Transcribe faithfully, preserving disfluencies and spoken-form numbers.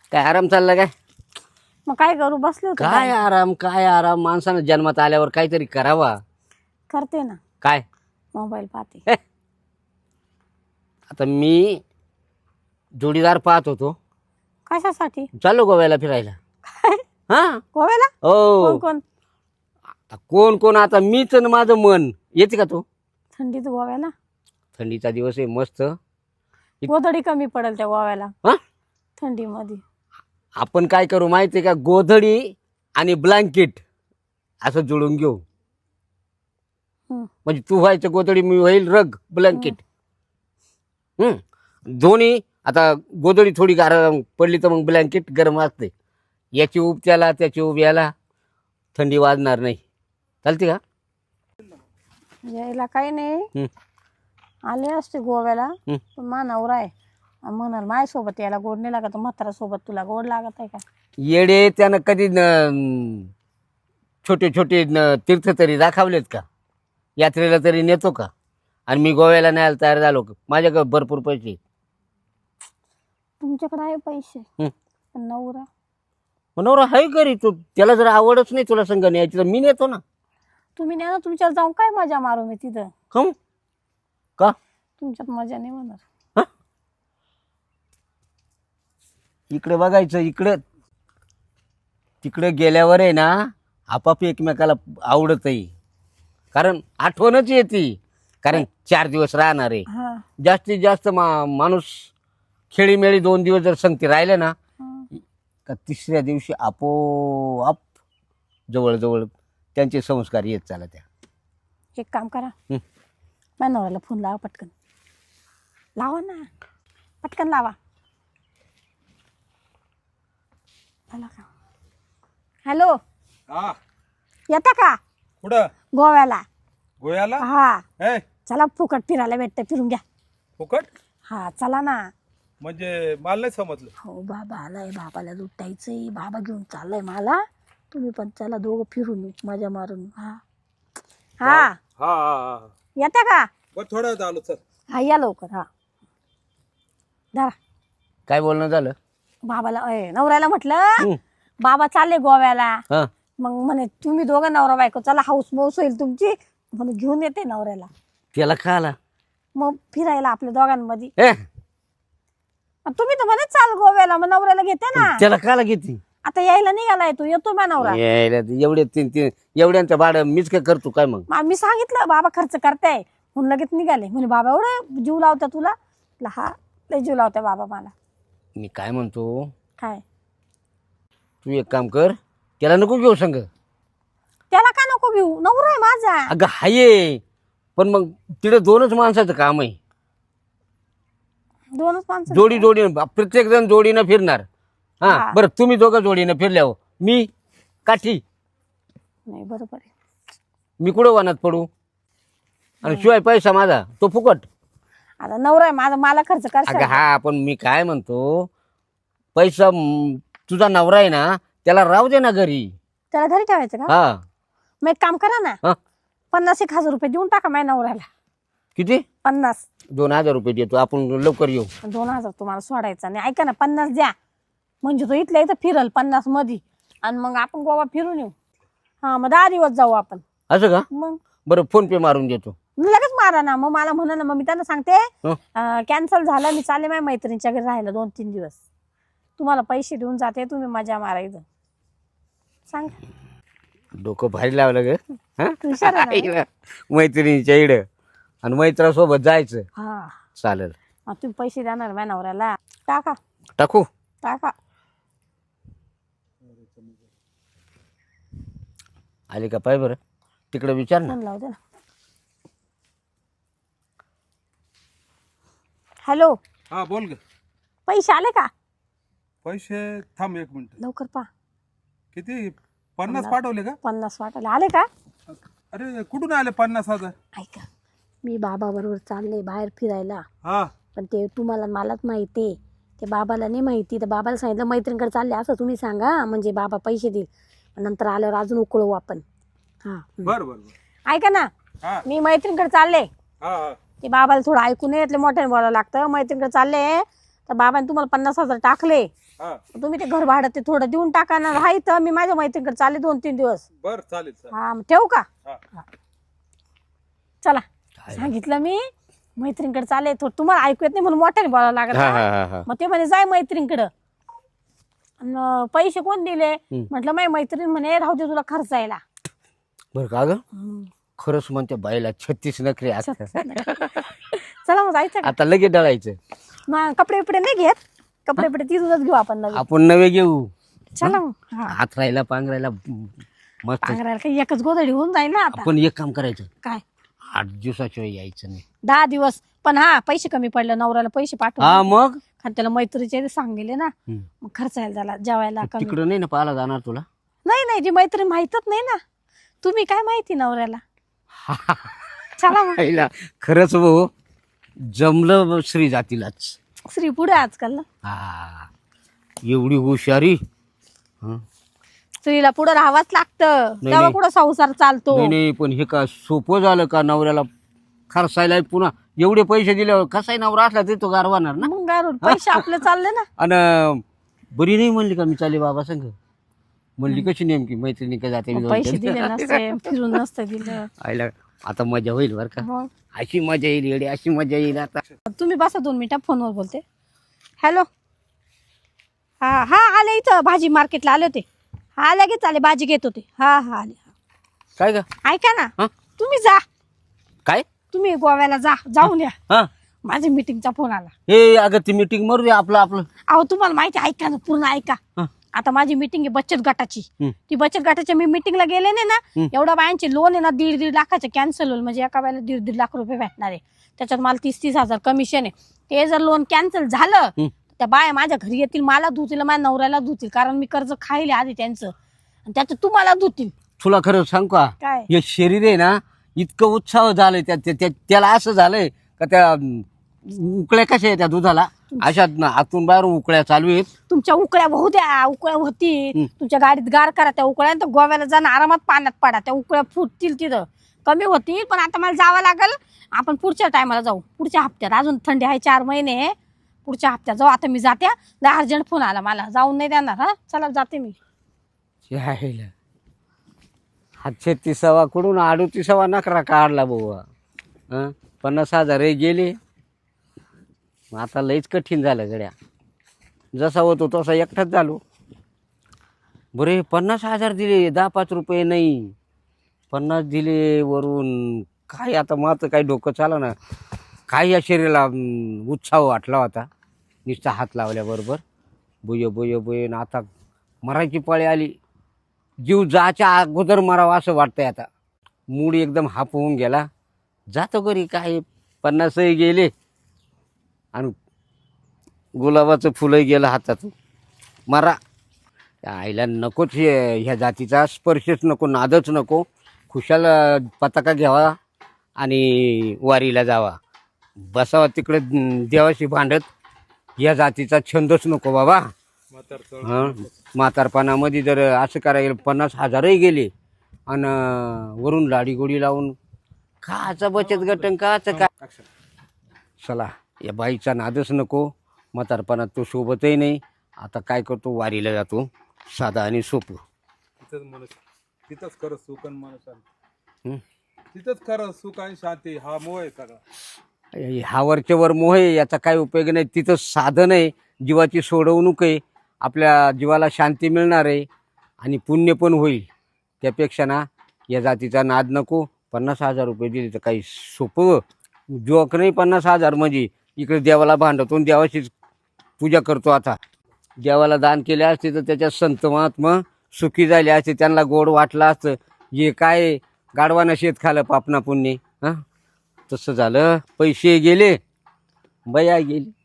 काय आराम चालला काय? मग काय करू, बसले होते. काय आराम काय आराम माणसानं जन्मात आल्यावर काहीतरी करावा. करते ना, काय मोबाईल पाहते. हे? आता मी जोडीदार पाहत होतो, कशासाठी? चाललो गोव्याला फिरायला. काय हा गोव्याला? हो. कोण कोण? आता कोण कोण आता मीच आणि माझं मन. येते का तू? थंडीत गोव्याला? थंडीचा दिवस आहे मस्त. गोधडी कमी पडेल त्या गोव्याला हा थंडीमध्ये. आपण काय करू माहितीये का, गोधडी आणि ब्लँकेट असं जुळून घेऊ. हं. म्हणजे तू व्हायचं गोधडी, मी होईल रग ब्लँकेट. हम्म दोन्ही. आता गोधडी थोडी गरम पडली तर मग ब्लँकेट गरम असते. याची उब त्याला त्याची उब याला, थंडी वाजणार नाही. चालते का? यायला काही नाही, हं. आले असते गोव्याला. हं. पण मा नवरा आहे म्हणाल माझ्यासोबत यायला गोड नाही लागत, म्हातारा सोबत तुला गोड लागत आहे का? येडे त्यानं कधी न- छोटे छोटे न- तीर्थ तरी दाखवलेत का? यात्रेला तरी नेतो का? आणि मी गोव्याला न्यायला तयार झालो. माझ्याकडे भरपूर पैसे. तुमच्याकडे आहे पैसे, हं. पण नवरा नवरा आहे घरी. तू त्याला जर आवडच नाही तुला संग न्यायची तर मी नेतो ना. तुम्ही नाही ना, तुमच्यावर जाऊन काय मजा मारू मी तिथं? कम का? तुमच्यात मजा नाही होणार. हा? इकडे बघायचं, इकडे तिकडे गेल्यावर आहे ना आपाप एकमेकाला आवडतही. कारण आठवणच येते. कारण चार दिवस राहणार आहे. हा जास्तीत जास्त मा माणूस खेळीमेळी दोन दिवस जर संगती राहिले ना, हा. का तिसऱ्या दिवशी आपोआप जवळजवळ त्यांचे संस्कार येत चालत त्या. एक काम करा, हं. माझ्या नवऱ्याला फोन लावा पटकन. लावा ना, पटकन लावा. झाला का? हॅलो, हा येता का कुठं? गोव्याला? गोव्याला? हा ए चला, फुकट फिरायला भेटतं, फिरून घ्या. फुकट हा चला ना. म्हणजे मला नाही समजलं. हो, बाबा आलाय, बाबाला लुटायचंय, बाबा घेऊन चाललाय मला. तुम्ही पण चला, दोघं फिरून येऊ, मजा मारून. हा हा हा हा हा येता का? बरं थोडा वेळ आलो सर. हा या लवकर. हा धरा. काय बोलणं झालं? बाबाला अय, नवऱ्याला म्हटलं हं. बाबा चालले गोव्याला. हा मग म्हणे तुम्ही दोघं नवरा बायको चला, हाऊस मौस होईल तुमची, म्हणून घेऊन येते नवऱ्याला. त्याला का आला? मग फिरायला आपल्या दोघांमध्ये. ए मग तुम्ही तर म्हणे चाल गोव्याला, मग नवऱ्याला घेते ना. त्याला काला किती? आता यायला निघालाय तो, येतो मा नवरा. यायला ते एवढे तीन तीन एवढ्यांचं भाडं मीच काय करतो काय मग? मग मी सांगितलं बाबा खर्च करताय म्हणून लगेच निघाले. म्हणे बाबा एवढे जीव लावता तुला? म्हटलं, हा लय जीव लावता बाबा मला. मी काय म्हणतो, काय? तू एक काम कर, त्याला नको घेऊ संग. त्याला का नको घेऊ, नवरा आहे माझा. अगं हाये, पण मग तिकडे दोनच माणसाचं काम आहे. दोनच माणसं. जोडी जोडीनं प्रत्येक जण जोडीनं फिरणार. हा हा. बरं, तुम्ही दोघं जोडीनं फिरल्यावर मी काठी, नाही बरोबर आहे. मी कुठं वनात पडू? आणि शिवाय पैसा माझा तो फुकट. आता नवरा आहे माझा, मला खर्च अगं करशाल. हा, पण मी काय म्हणतो, पैसा म, तुझा नवरा आहे ना, त्याला राहू दे ना घरी. त्याला घरी ठेवायचं का? हा मग एक काम करा ना, हा पन्नास एक हजार रुपये देऊन टाका माझ्या नवऱ्याला. किती? पन्नास. दोन हजार रुपये देतो, आपण लवकर येऊ. दोन हजार तुम्हाला सोडायचा नाही. ऐका ना, पन्नास द्या, म्हणजे तो इथल्या इथं फिरल पन्नास मध्ये, आणि मग आपण गोवा फिरून येऊ. हा मग दहा दिवस जाऊ आपण. असं का? मग बरं, फोन पे मारून देतो. लगेच मारा ना. मग मला म्हणा ना, मग मी त्यांना सांगते हं. कॅन्सल झालं, मी चालले माझ्या मैत्रिणीच्या घरी राहिलं दोन तीन दिवस. तुम्हाला पैसे देऊन जाते, तुम्ही मजा मारा इथं. सांग. डोकं भारी लावलं ग. हा? हुशार आहे ना. आईला मैत्रिणीच्या इड आणि मैत्रासोबत जायचं. हा चालेल. मग तुम्ही पैसे देणार माझ्या नवऱ्याला? टाका टाकू? टाका. आली का पाय बरं, तिकडे विचार ना. फोन लावू दे ना. हॅलो, हा बोल ग. पैसे आले का? पैसे थांब एक मिनिट. लवकर पा. किती? पन्नास पाठवले का? पन्नास वाटायला आले का? अरे कुठून आले पन्नास हजार? ऐका, मी बाबा बरोबर चालले बाहेर फिरायला, हा पण ते तुम्हाला मलाच माहिती आहे, ते बाबाला नाही माहिती. तर बाबाला सांगितलं मैत्रिणीकडे चालले असं तुम्ही सांगा, म्हणजे बाबा पैसे देईल. नंतर आल्यावर अजून उकळू आपण. हा बर बर बर. ऐका ना, हा मी मैत्रिणीकडे चालले. हा हा ते बाबाला थोडं ऐकून येतले, मोठ्याने बोलावं लागतं. मैत्रिणीकडे चालले, तर बाबाने तुम्हाला पन्नास हजार टाकले, हा तुम्ही ते घर भाडं ते थोडं देऊन टाका ना. राही तर मी माझ्या मैत्रिणीकडे चालले दोन तीन दिवस. बर चालेल चालेल. हा मग ठेवू का? हा. चला सांगितलं मी मैत्रिणीकडे चालले. थोडं तुम्हाला ऐकू येत नाही म्हणून मोठ्याने बोलावं लागत. हा हा हा हा मग ते म्हणे जाय मैत्रिणीकडं. अन पैसे कोण दिले? म्हटलं माझी मैत्रीण म्हणे राहू दे तुला खर्च यायला. बरं का ग खरंच म्हणते बाईला छत्तीस नखरे असतात. चला मग जायचं का? आता लगेच डळायचं. मग कपडे बिपडे नाही घेत, कपडे बिपडे तिथूनच घेऊ आपण नवीन. आपण नवे घेऊ. चला मग. हा हात राहिला पांघरायला मस्त. पांघरायला काही एकच गोधडी होऊन जाईल ना आता. आपण एक काम करायचं, काय आठ दिवसाशिवाय यायचं नाही. दहा दिवस पण हा पैसे कमी पडले नवऱ्याला पैसे पाठव. हा मग कारण त्याला मैत्रीचे सांगले ना, मग खर्च यायला झाला जेवायला कमी. तिकडं नाही ना पाहायला जाणार तुला. नाही नाही जी मैत्रीण माहितच नाही ना. तुम्ही काय माहिती नवऱ्याला. चला मग. पहिला खरंच भाऊ जमलं श्री जातीलाच. स्त्री पुढे आजकाल ना. हा एवढी हुशारी. हं. स्त्रीला पुढे राहावंच लागतं, नाही, तेव्हा नाही. कुठं संसार चालतो. नाही नाही पण हे का सोपं झालं का नवऱ्याला खर्चायला पुन्हा एवढे पैसे दिल्यावर कसाही नवरा असला तरी तो गारवाणार ना. मग काय पैसे आपले चालले ना. आणि बरी नाही म्हणली का मी चाले बाबा संग. म्हणली कशी नेमकी मैत्रिणी का जाते मी मग दोन पैसे तीन. दिले नसते, फिरून नसतं दिलं. आईला आता मजा होईल बरं का. मग अशी मजा येईल येडे अशी मजा येईल आता. तुम्ही बसा दोन मिनिटं फोनवर बोलते. हॅलो. हा हा आले इथं भाजी मार्केटला आले होते. हा लगेच आले भाजी घेत होते. हा हा आले. काय का ऐका ना हा? तुम्ही जा, काय तुम्ही गोव्याला जा, जाऊन या. हा माझ्या मीटिंगचा फोन आला. हे अगं ती मीटिंग मरू दे आपलं आपलं. अहो तुम्हाला माहिती आहे, ऐका ना पूर्ण ऐका. हा. आता माझी मीटिंग आहे बचत गटाची. हम्म. ती बचत गटाच्या मी मीटिंगला गेले नाही ना, हम्म. एवढ्या बायांचे लोन आहे ना दीड दीड लाखाचे कॅन्सल होईल. म्हणजे एका वेळेला दीड दीड लाख रुपये भेटणार आहे. त्याच्यात मला तीस तीस हजार कमिशन आहे. ते जर लोन कॅन्सल झालं हम्म. त्या बाया माझ्या घरी येतील, मला धुतील, माझ्या नवऱ्याला धुतील, कारण मी कर्ज खायले आधी त्यांचं, आणि त्याचं तुम्हाला धुतील. तुला खरं सांग का काय हे शरीर आहे ना इतकं उत्साह झालंय त्या त्या- त्या- त्याला असं झालंय का त्या अं, उकळ्या कशा आहे त्या दुधाला अशा न- आतून बाहेर उकळ्या चालू आहेत. तुमच्या उकळ्या होऊ द्या, उकळ्या होतील. हम्म. तुमच्या गाडीत गार करा त्या उकळ्या, तर गोव्याला जाणं आरामात पाण्यात पडा, त्या उकळ्या फुटतील तिथं, कमी होतील. पण आता मला जावं लागेल. आपण पुढच्या टायमाला जाऊ, पुढच्या हप्त्यात. अजून थंडी आहे चार महिने, पुढच्या हप्त्यात जाऊ. आता मी जाते, लय अर्जंट फोन आला मला, जाऊन नाही देणार. हा चला जाते मी. यायला. हा छत्तीसावा कडून अडोतीसावा नकरा काढला बुवा. हं? पन्नास हजार हे गेले. मग आता लईच कठीण झालं गड्या. जसा होतो तसा एकटाच झालो. बरे पन्नास हजार दिले, दहा पाच रुपये नाही, पन्नास दिले वरून. काय आता माझं काही डोकं चालं ना. काय या शरीराला अं, उत्साह वाटला होता नुसता हात लावल्याबरोबर. बुय बुय बुय न आता मरायची पाळी आली. जीव जाच्या अगोदर मरावा असं वाटतंय आता. मूड एकदम हाप होऊन गेला. जातो घरी. काय पन्नासही गेले आणि गुलाबाचं फुलंही गेलं हातातून. मरा त्या आईला नकोच हे- ह्या जातीचा स्पर्शच नको, नादच नको. खुशाल अं, पताका घ्यावा आणि वारीला जावा, बसावा तिकडे अं, देवाशी भांडत. या जातीचा छंदच नको बाबा. म्हातार चळ. हं म्हातारपणामध्ये जर असं करायला पन्नास हजारही गेले आणि वरून लाडी गोडी लावून काचा बचत गटन काचं काय. Action. चला या बाईचा नादच नको. म्हातारपणात तो सोबतही नाही. आता काय करतो, वारीला जातो, साधा आणि सोपं. तिथंच मन तिथंच खरं सुख आणि मन शांती. हं? तिथंच खरं सुख आणि शांती. हा मोह आहे सगळा. हा वरच्यावर मोह आहे, याचा काय उपयोग नाही. तिथं साधन आहे, जीवाची सोडवणूक आहे, आपल्या जीवाला शांती मिळणार आहे आणि पुण्य पण होईल. त्यापेक्षा ना या जातीचा नाद नको. पन्नास हजार रुपये दिले तर काही सोपं जोक नाही. पन्नास हजार म्हणजे इकडे देवाला भांडतो आणि देवाचीच पूजा करतो. आता देवाला दान केले असते तर त्याच्यात संत महात्मा सुखी झाले असते, त्यांना गोड वाटलं असतं. हे काय गाडवानं शेत खालं पापना पुण्य. हां तसं झालं. पैसे गेले, बया गेली.